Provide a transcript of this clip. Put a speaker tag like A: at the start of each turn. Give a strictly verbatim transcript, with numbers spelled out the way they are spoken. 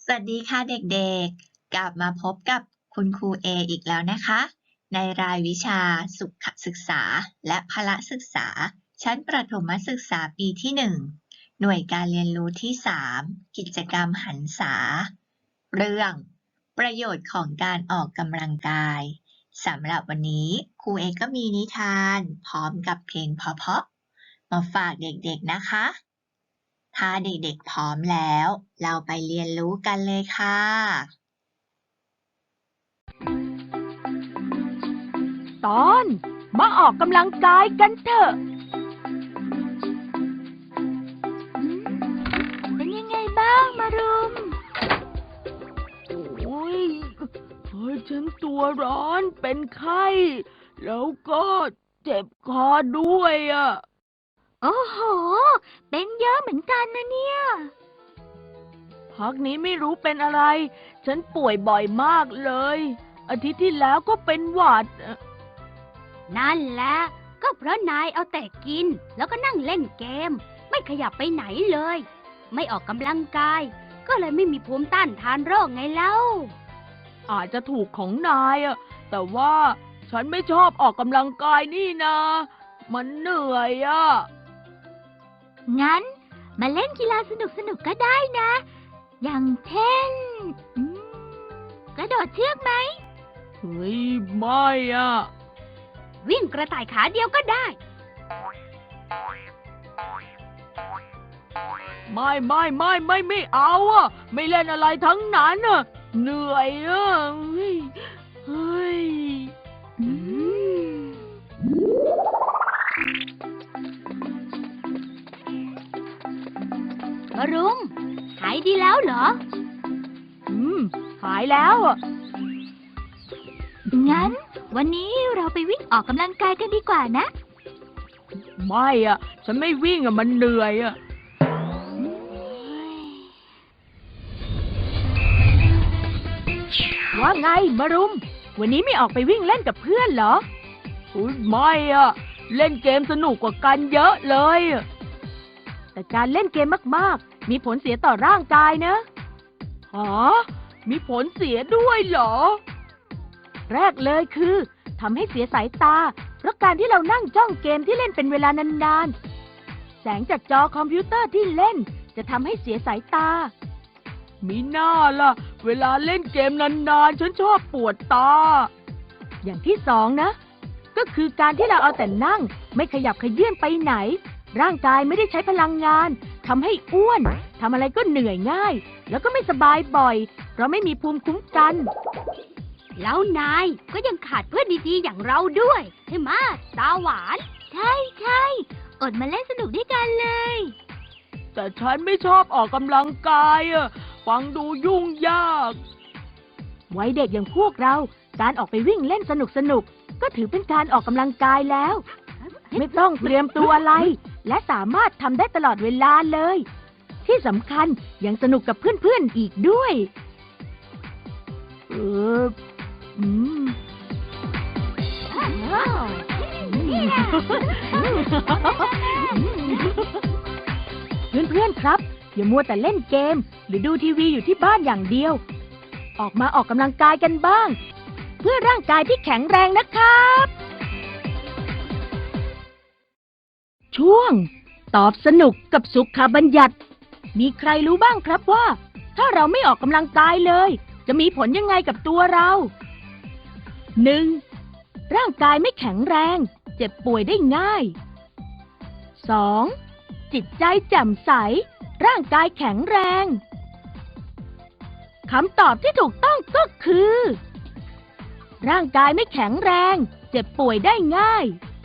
A: สวัสดีค่ะเด็กๆ กลับมาพบกับคุณครูเออีกแล้วนะคะ ในรายวิชาสุขศึกษาและพละศึกษา ชั้นประถมศึกษาปีที่ หนึ่ง หน่วยการเรียนรู้ที่ สาม กิจกรรมหันษา เรื่องประโยชน์ของการออกกำลังกาย สำหรับวันนี้ครูเอก็มีนิทานพร้อมกับเพลงเพราะๆมาฝากเด็กๆนะคะ ถ้าเด็กๆพร้อมแล้วเราไปเรียนรู้กันเลยค่ะ
B: ตอนมาออกกำลังกายกันเถอะเป็นยังไงบ้างมารุมโอ้ยเฮ้ยฉันตัวร้อนเป็นไข้แล้วก็เจ็บคอด้วยอ่ะโอ้โหเป็นเยอะเหมือนกันนะเนี่ยพักนี้ไม่รู้เป็นอะไรฉันป่วยบ่อยมากเลยอาทิตย์ที่แล้วก็เป็นหวัดนั่นแหละก็เพราะนายเอาแต่กินแล้วก็นั่งเล่นเกมไม่ขยับไปไหนเลยไม่ออกกำลังกายก็เลยไม่มีภูมิต้านทานโรคไงเล่าอาจจะถูกของนายอะแต่ว่าฉันไม่ชอบออกกำลังกายนี่นะมันเหนื่อยอะงั้นมาเล่นกีฬาสนุกๆก็ได้นะอย่างเช่นกระโดดเชือกไหมเฮ้ยไม่อะวิ่งกระต่ายขาเดียวก็ได้ไม่ไม่ไม่ไม่ไม่เอาอ่ะไม่เล่นอะไรทั้งนั้นอ่ะเหนื่อยอ่ะเฮ้ยมารุมหายดีแล้วเหรออืมหายแล้วอ่ะงั้นวันนี้เราไปวิ่งออกกำลังกายกันดีกว่านะไม่อ่ะฉันไม่วิ่งอ่ะมันเหนื่อยอ่ะว่าไงมารุมวันนี้ไม่ออกไปวิ่งเล่นกับเพื่อนเหรออุ๊ยไม่อ่ะเล่นเกมสนุกกว่ากันเยอะเลยแต่การเล่นเกมมากๆมีผลเสียต่อร่างกายนะหรอมีผลเสียด้วยเหรอแรกเลยคือทำให้เสียสายตาเพราะการที่เรานั่งจ้องเกมที่เล่นเป็นเวลานานๆแสงจากจอคอมพิวเตอร์ที่เล่นจะทำให้เสียสายตามีหน้าล่ะเวลาเล่นเกมนานๆฉันชอบปวดตาอย่างที่สองนะก็คือการที่เราเอาแต่นั่งไม่ขยับเขยื้อนไปไหนร่างกายไม่ได้ใช้พลังงานทำให้อ้วนทำอะไรก็เหนื่อยง่ายแล้วก็ไม่สบายบ่อยเพราะไม่มีภูมิคุ้มกันแล้วนายก็ยังขาดเพื่อนดีๆอย่างเราด้วยใช่ไหมตาหวานใช่ใช่อดมาเล่นสนุกด้วยกันเลยแต่ฉันไม่ชอบออกกำลังกายอะฟังดูยุ่งยากวัยเด็กอย่างพวกเราการออกไปวิ่งเล่นสนุกๆก็ถือเป็นการออกกำลังกายแล้วไม่ต้องเตรียมตัวอะไรและสามารถทำได้ตลอดเวลาเลยที่สำคัญยังสนุกกับเพื่อนๆอีกด้วยเอออืมเพื่อนๆครับอย่ามัวแต่เล่นเกมหรือดูทีวีอยู่ที่บ้านอย่างเดียวออกมาออกกำลังกายกันบ้างเพื่อร่างกายที่แข็งแรงนะครับช่วงตอบสนุกกับสุขบัญญัติมีใครรู้บ้างครับว่าถ้าเราไม่ออกกำลังกายเลยจะมีผลยังไงกับตัวเราหนึ่งร่างกายไม่แข็งแรงเจ็บป่วยได้ง่ายสองจิตใจแจ่มใสร่างกายแข็งแรงคำตอบที่ถูกต้องก็คือร่างกายไม่แข็งแรงเจ็บป่วยได้ง่าย